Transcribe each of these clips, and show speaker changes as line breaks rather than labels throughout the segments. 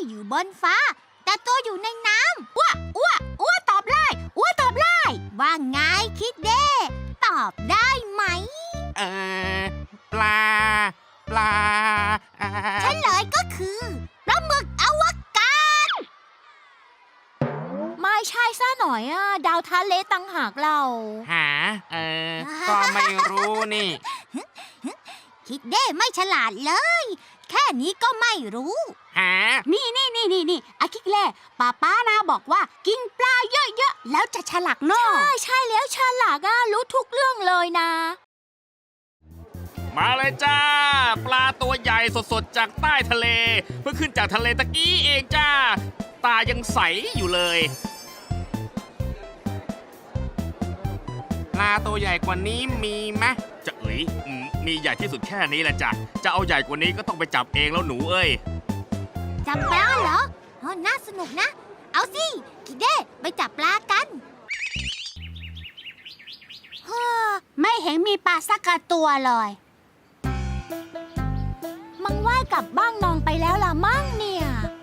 อยู่บนฟ้าแต่ตัวอยู่ในน้ำอ้วตอบได้ว่าไงคิดเด้ตอบได้ไหม
ปลา
เฉลยก็คือปลาหมึกอวกาศไม่ใช่ซะหน่อยดาวทะเลต่างหากเรา
ก็ไม่รู้นี่
คิดเด้ไม่ฉลาดเลยแค่นี้ก็ไม่รู้
นี่อาคิกเล่ป้านะบอกว่ากินปลาเยอะๆแล้วจะฉลาดเนาะ
ใช่แล้วฉลาดรู้ทุกเรื่องเลยนะ
มาเลยจ้าปลาตัวใหญ่สดๆจากใต้ทะเลเพิ่งขึ้นจากทะเลตะกี้เองจ้าตายังใสอยู่เลยปลาตัวใหญ่กว่านี้มีไหมจะมีใหญ่ที่สุดแค่นี้แหละจ้ะจะเอาใหญ่กว่านี้ก็ต้องไปจับเองแล้วหนูเอ้ย
จับปลาเหรอน่าสนุกนะเอาสิคิดเด้ไปจับปลากัน
ไม่เห็นมีปลาสักตัวเลย
มังว่ายกลับบ้างนองไปแล้วล่ะมั่งเนี่ย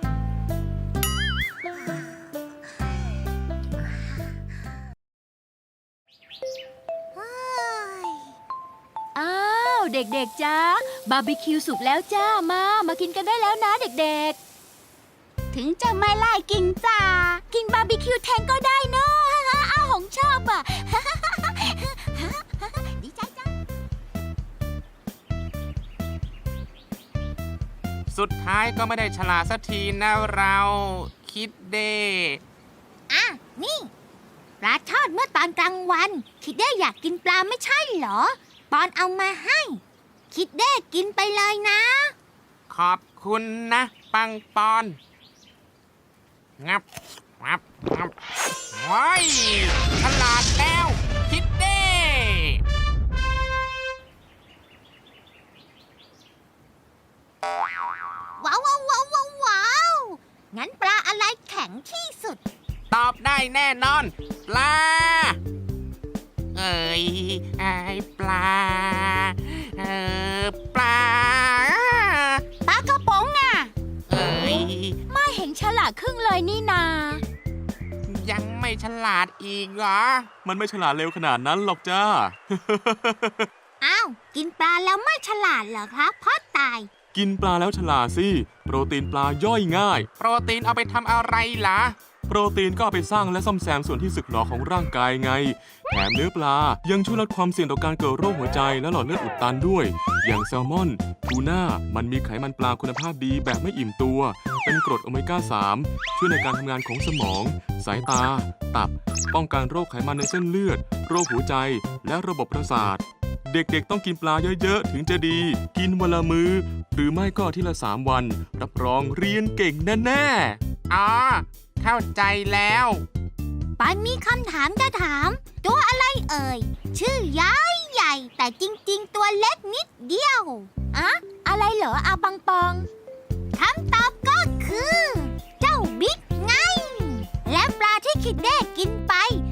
อ้าวเด็กๆจ้าบาร์บีคิวสุกแล้วจ้ามากินกันได้แล้วนะเด็ก
ๆถึงจะไม่ไล่กินจ้า
กินบาร์บีคิวแทนก็ได้เนาะอ้าวหงชอบดีใจจัง
สุดท้ายก็ไม่ได้ฉลาดสักทีนะเราคิดเด้
นี่ปลาทอดเมื่อตอนกลางวันคิดเด้อยากกินปลาไม่ใช่เหรอปอนเอามาให้คิดเด้กินไปเลยนะ
ขอบคุณนะปังปอนงับว้ายฉลาดแล้วคิดเด้
ว้าวงั้นปลาอะไรแข็งที่สุด
ตอบได้แน่นอนปลาปล
ากระป๋อง
ไม่เห็นฉลาดครึ่งเลยนี่นา
ยังไม่ฉลาดอีกเหรอ
มันไม่ฉลาดเร็วขนาดนั้นหรอกจ้า
อ้าวกินปลาแล้วไม่ฉลาดเหรอครับพ่อตาย
กินปลาแล้วฉลาดสิโปรตีนปลาย่อยง่าย
โปรตีนเอาไปทำอะไรล่ะ
โปรตีนก็เอาไปสร้างและซ่อมแซมส่วนที่สึกหรอของร่างกายไงแถมเนื้อปลายังช่วยลดความเสี่ยงต่อการเกิดโรคหัวใจและหลอดเลือดอุดตันด้วยอย่างแซลมอนทูน่ามันมีไขมันปลาคุณภาพดีแบบไม่อิ่มตัวเป็นกรดโอเมก้า 3ช่วยในการทำงานของสมองสายตาตับป้องกันโรคไขมันในเส้นเลือดโรคหัวใจและระบบประสาทเด็กๆต้องกินปลาเยอะๆถึงจะดีกินวันละมื้อหรือไม่ก็อาทิตย์ละ3 วันรับรองเรียนเก่งแน่
ๆเข้าใจแล้ว
ปานมีคำถามจะถามตัวอะไรเอ่ยชื่อย้ายใหญ่แต่จริงๆตัวเล็กนิดเดียว
อะไรเหรออาปังปอง
คำตอบก็คือเจ้าบิ๊กไงและปลาที่คิดเด้กินไป